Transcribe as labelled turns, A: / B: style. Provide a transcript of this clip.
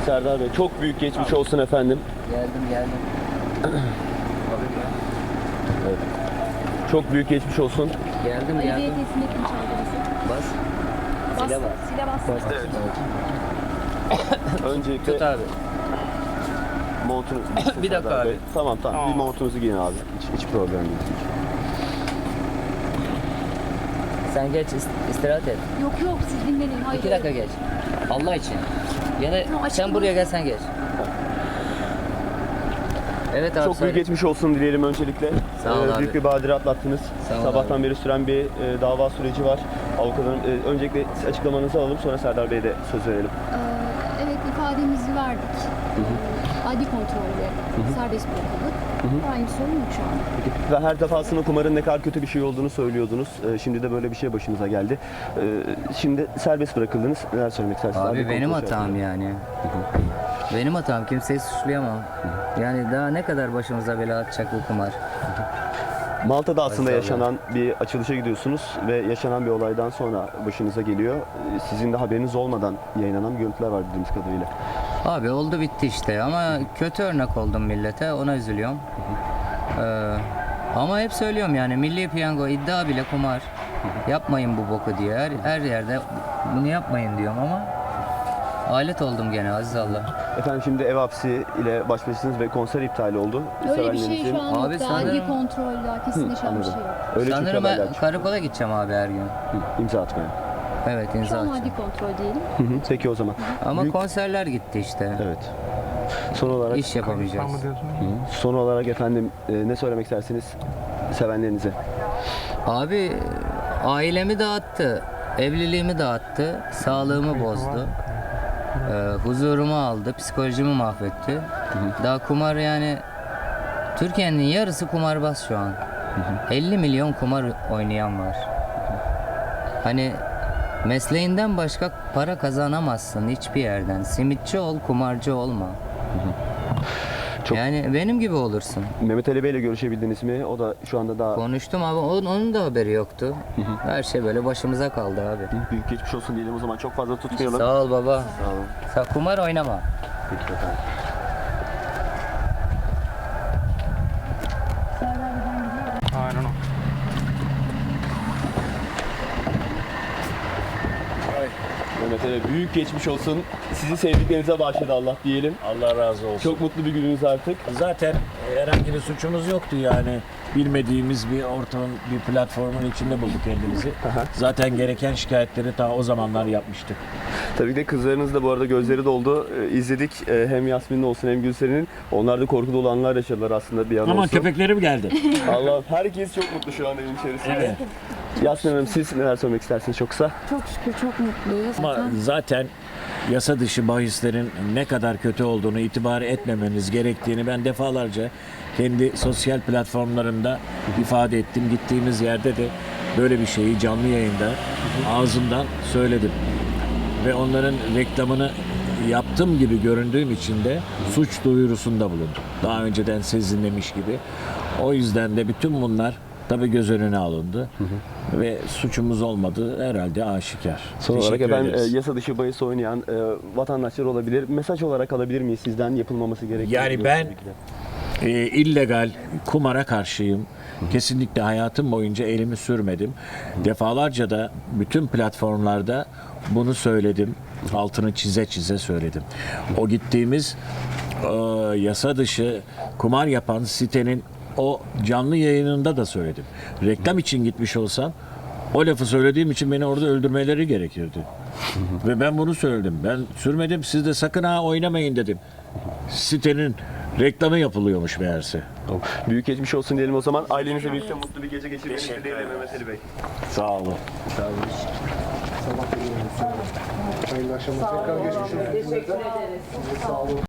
A: Serdar Bey çok büyük geçmiş olsun efendim.
B: Geldim.
A: Evet. Çok büyük geçmiş olsun.
B: Geldim.
C: Belediyesindeki çantamızı.
B: Bas.
C: Bas.
B: Sile bas.
C: Sile bas.
A: Öncelikle
B: Tut abi.
A: montunu...
B: Bir dakika
A: Serdar
B: abi.
A: Bey. Tamam. Bir montunuzu giyin abi. Hiç problem değil.
B: Sen geç istirahat et.
C: Yok siz dinlenin. Hayır.
B: 2 dakika geç. Allah için. Yine
C: Tamam,
B: sen
C: açık
B: buraya
C: mı?
B: gel sen geç. Evet abi.
A: Çok büyük geçmiş olsun dileyelim öncelikle.
B: Sağ ol abi.
A: Büyük bir badire atlattınız.
B: Sağ ol
A: Sabahtan
B: abi.
A: beri süren bir dava süreci var. Avukatın öncelikle açıklamanızı alalım, sonra Serdar Bey'e de söz verelim.
C: Evet ifademizi verdik. Adli kontrolle serbest bırakıldık. Aynı sorun yok şu an.
A: Peki, ve her defasında kumarın ne kadar kötü bir şey olduğunu söylüyordunuz. Şimdi de böyle bir şey başınıza geldi. Şimdi serbest bırakıldınız. Neler söylemek istersiniz?
B: Abi
A: Adli
B: benim
A: kontrol
B: hatam
A: şartıyla.
B: yani. Benim hatam. Kimseyi suçlayamam. Yani daha ne kadar başımıza bela atacak bu kumar.
A: Malta'da aslında
B: Maşallah.
A: yaşanan bir açılışa gidiyorsunuz ve yaşanan bir olaydan sonra başınıza geliyor. Sizin de haberiniz olmadan yayınlanan görüntüler var bildiğimiz kadarıyla.
B: Abi oldu bitti işte ama kötü örnek oldum millete, ona üzülüyorum. Ama hep söylüyorum yani milli piyango iddia bile kumar. Yapmayın bu boku diye her yerde bunu yapmayın diyorum ama alet oldum gene aziz Allah.
A: Efendim şimdi ev hapsi ile baş başasınız ve konser iptal oldu.
C: Öyle bir şey şu an yok.
B: Abi
C: Adli
B: sanırım-
C: kontrolle kesinleşen bir şey yok.
A: Öyle çünkü
B: Sanırım
A: haberler
B: ben
A: çıktı.
B: karakola gideceğim abi her gün.
A: İmza atmaya.
B: Evet
C: Şu
B: imza
C: an
B: atacağım.
C: adli kontrol diyelim.
A: Peki o zaman.
B: Ama
A: Büyük-
B: konserler gitti işte.
A: Evet. Son olarak
B: İş yapamayacağız.
A: son olarak efendim ne söylemek istersiniz sevenlerinize?
B: Abi ailemi dağıttı, evliliğimi dağıttı, sağlığımı bozdu. Huzurumu aldı, psikolojimi mahvetti. Daha kumar yani Türkiye'nin yarısı kumarbaz şu an. 50 milyon kumar oynayan var. Hani mesleğinden başka para kazanamazsın hiçbir yerden. Simitçi ol, kumarcı olma.
A: Çok-
B: Yani benim gibi olursun.
A: Mehmet Ali Bey ile görüşebildiniz mi? O da şu anda daha
B: Konuştum abi, onun da haberi yoktu. Her şey böyle başımıza kaldı abi.
A: büyük geçmiş olsun diyelim o zaman. Çok fazla tutmayalım.
B: Sağ ol baba.
A: Sağ olun.
B: Sen kumar oynama.
A: Peki efendim.
D: Aynen o.
A: Mehmet Ali büyük geçmiş olsun. Sizi sevdiklerinize bağışladı Allah diyelim.
E: Allah razı olsun.
A: Çok mutlu bir gününüz artık.
E: Zaten herhangi bir suçumuz yoktu yani. Bilmediğimiz bir ortamın, bir platformun içinde bulduk kendimizi. Zaten gereken şikayetleri ta o zamanlar yapmıştık.
A: Tabii de kızlarınız da bu arada gözleri doldu. İzledik hem Yasmin'in olsun hem Gülser'in. Onlar da korku dolu anlar yaşadılar aslında bir an
E: Ama
A: olsun.
E: köpeklerim geldi.
A: Allah herkes çok mutlu şu an evin içerisinde.
E: Evet.
A: Yasmin Hanım siz neler söylemek istersiniz çok kısa?
C: Çok şükür çok mutluyuz.
E: Ama zaten yasa dışı bahislerin ne kadar kötü olduğunu itibar etmemeniz gerektiğini ben defalarca kendi sosyal platformlarımda ifade ettim. Gittiğimiz yerde de böyle bir şeyi canlı yayında ağzımdan söyledim. Ve onların reklamını yaptığım gibi göründüğüm için de suç duyurusunda bulundum. Daha önceden sezinlemiş gibi. O yüzden de bütün bunlar tabii göz önüne alındı. Ve suçumuz olmadığı herhalde aşikar.
A: Son olarak
E: Teşekkür
A: efendim
E: ederiz.
A: yasa dışı bahis oynayan vatandaşlar olabilir. Mesaj olarak alabilir miyiz sizden yapılmaması gereken?
E: Yani ben illegal kumara karşıyım. Kesinlikle hayatım boyunca elimi sürmedim. Defalarca da bütün platformlarda bunu söyledim. Altını çize çize söyledim. O gittiğimiz yasa dışı kumar yapan sitenin o canlı yayınında da söyledim. Reklam için gitmiş olsam o lafı söylediğim için beni orada öldürmeleri gerekirdi. Ve ben bunu söyledim. Ben sürmedim. Siz de sakın ha oynamayın dedim. Sitenin reklamı yapılıyormuş meğerse.
A: Büyük geçmiş olsun diyelim o zaman. Ailenizle birlikte mutlu bir gece geçirmenizi dileyelim Mehmet Ali Bey.
E: Sağ olun.
D: Hayırlı akşamlar. Tekrar geçmiş olsun.
F: Teşekkür ederiz.
D: Sağ olun.